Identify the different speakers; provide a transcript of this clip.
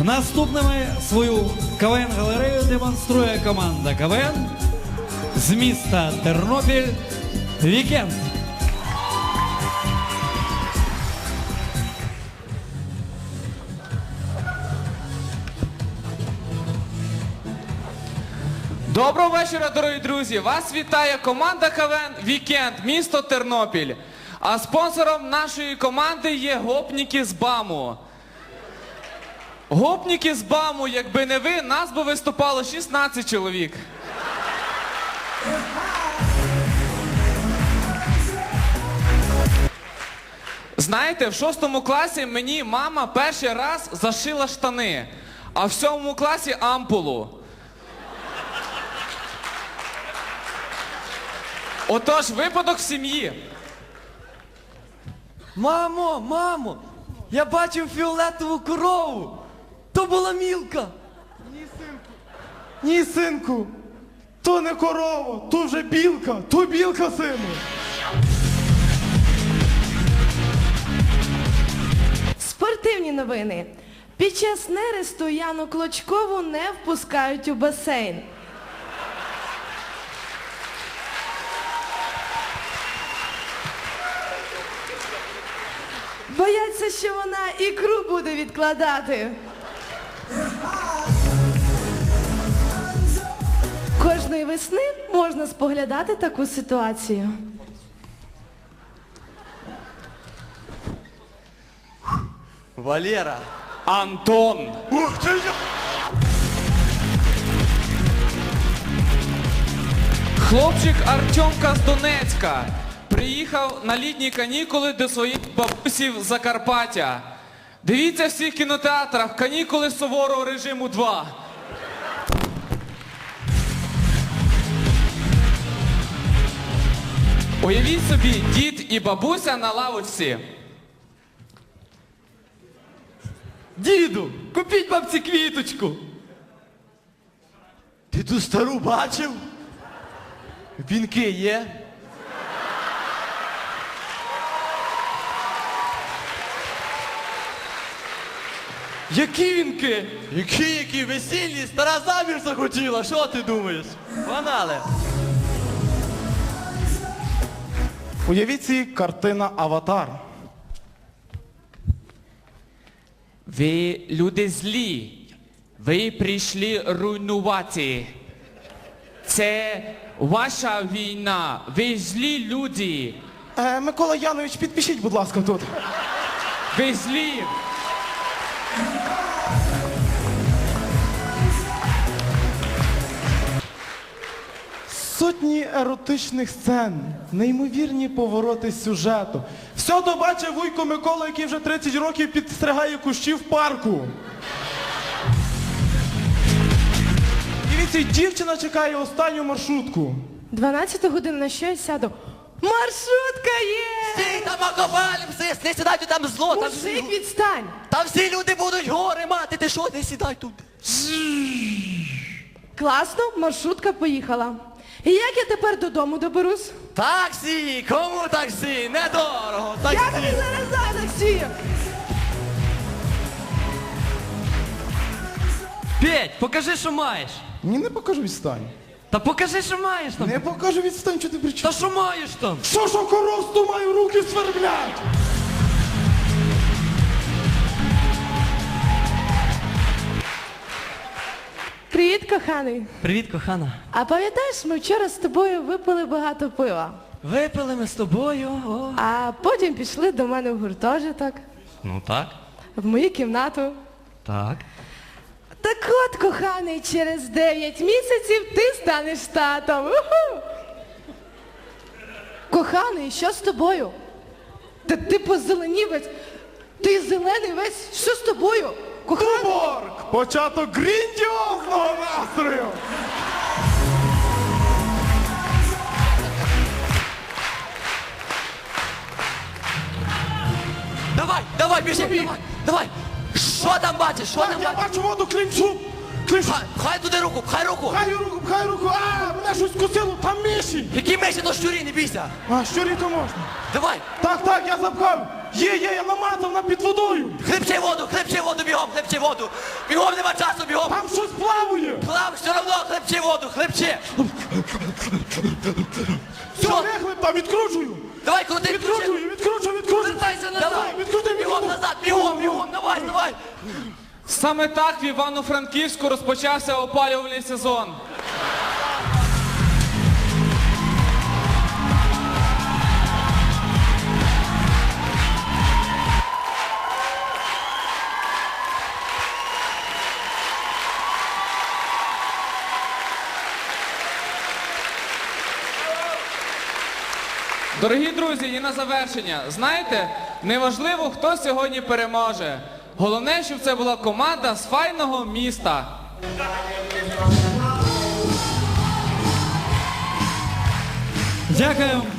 Speaker 1: Наступними свою КВН-галерею демонструє команда КВН з міста Тернопіль «Вікенд».
Speaker 2: Доброго вечора, дорогі друзі! Вас вітає команда КВН «Вікенд», місто Тернопіль. А спонсором нашої команди є гопніки з БАМу. Гопніки з БАМу, якби не ви, нас би виступало 16 чоловік. Знаєте, в 6 класі мені мама перший раз зашила штани, а в 7 класі ампулу. Отож, випадок в сім'ї.
Speaker 3: Мамо, я бачив фіолетову корову. То була Мілка.
Speaker 4: Ні, синку, то не корова, то вже білка, то білка, сину.
Speaker 5: Спортивні новини. Під час нересту Яну Клочкову не впускають у басейн. Бояться, що вона ікру буде відкладати. Кожної весни можна споглядати таку ситуацію.
Speaker 3: Валера.
Speaker 2: Антон.
Speaker 4: Ух ти!
Speaker 2: Хлопчик Артемка з Донецька приїхав на літні канікули до своїх бабусів з Закарпаття. Дивіться в всіх кінотеатрах канікули суворого режиму 2. Уявіть собі, дід і бабуся на лавочці.
Speaker 3: Діду, купіть бабці квіточку. Ти ту стару бачив? Вінки є? Які вінки? Які весільні? Стара заміж захотіла, що ти думаєш? Погнали.
Speaker 4: Уявіть собі, картина «Аватар».
Speaker 2: Ви люди злі. Ви прийшли руйнувати. Це ваша війна. Ви злі люди.
Speaker 4: Микола Янович, підпишіть, будь ласка, тут.
Speaker 2: Ви злі.
Speaker 4: Сотні еротичних сцен, неймовірні повороти сюжету. Все то бачив вуйко Микола, який вже 30 років підстригає кущі в парку. Дивіться, дівчина чекає останню маршрутку.
Speaker 5: 12 годин, на що я сяду? Маршрутка є!
Speaker 3: Стій там окопалімся, не сідай тут, там зло. Там
Speaker 5: Мужик, відстань!
Speaker 3: там всі люди будуть гори мати, ти що, не сідай тут.
Speaker 5: Класно, маршрутка поїхала. І як я тепер додому доберусь?
Speaker 3: Таксі, кому таксі? Недорого,
Speaker 5: Я
Speaker 3: таксі.
Speaker 5: тобі зараз дам таксі!
Speaker 6: Петь, покажи, що маєш.
Speaker 4: Ні, не покажу, відстань.
Speaker 6: Та покажи, що маєш там.
Speaker 4: Не покажу, відстань, що ти
Speaker 6: Та
Speaker 4: причому.
Speaker 6: що маєш там?
Speaker 4: Що коросту маю, руки сверблять?
Speaker 5: Привіт, коханий.
Speaker 6: Привіт, кохана.
Speaker 5: А пам'ятаєш, ми вчора з тобою випили багато пива,
Speaker 6: Випили ми з тобою. О.
Speaker 5: а потім пішли до мене в гуртожиток,
Speaker 6: Ну так.
Speaker 5: в мою кімнату.
Speaker 6: Так.
Speaker 5: Так от, коханий, через 9 місяців ти станеш татом. Уху! Коханий, що з тобою? Та ти позеленів весь. Ти зелений весь. Що з тобою? Коханий?
Speaker 4: Туборг! Початок грандіозного настрою!
Speaker 3: Давай, біжи, давай. Що там бачиш, що там
Speaker 4: Я
Speaker 3: бачиш?
Speaker 4: бачу воду, клінчу! Клінчу!
Speaker 3: Хай туди руку, хай руку.
Speaker 4: Хай руку! А, мене щось кусило, там миші!
Speaker 3: Які миші, то щурі, не бійся.
Speaker 4: А, щурі то можна.
Speaker 3: Давай,
Speaker 4: Так, я запхав! Є, я намазав на під водою!
Speaker 3: хлебче воду бігом. бігом, хлебчи воду. Бігом, нема часу, бігом.
Speaker 4: Там щось плаває!
Speaker 3: Плав, все одно, хлебчи воду, хлебчи.
Speaker 4: Все,
Speaker 3: Що?
Speaker 4: вихлип там, відкручую!
Speaker 3: Давай, крути,
Speaker 4: Відкручую!
Speaker 3: Вертайся назад.
Speaker 4: Давай, відкрути
Speaker 3: Бігом
Speaker 4: мені!
Speaker 3: назад, бігом, давай.
Speaker 2: Саме так в Івано-Франківську розпочався опалювальний сезон. Дорогі друзі, і на завершення, знаєте, неважливо, хто сьогодні переможе. Головне, щоб це була команда з файного міста.
Speaker 1: Дякуємо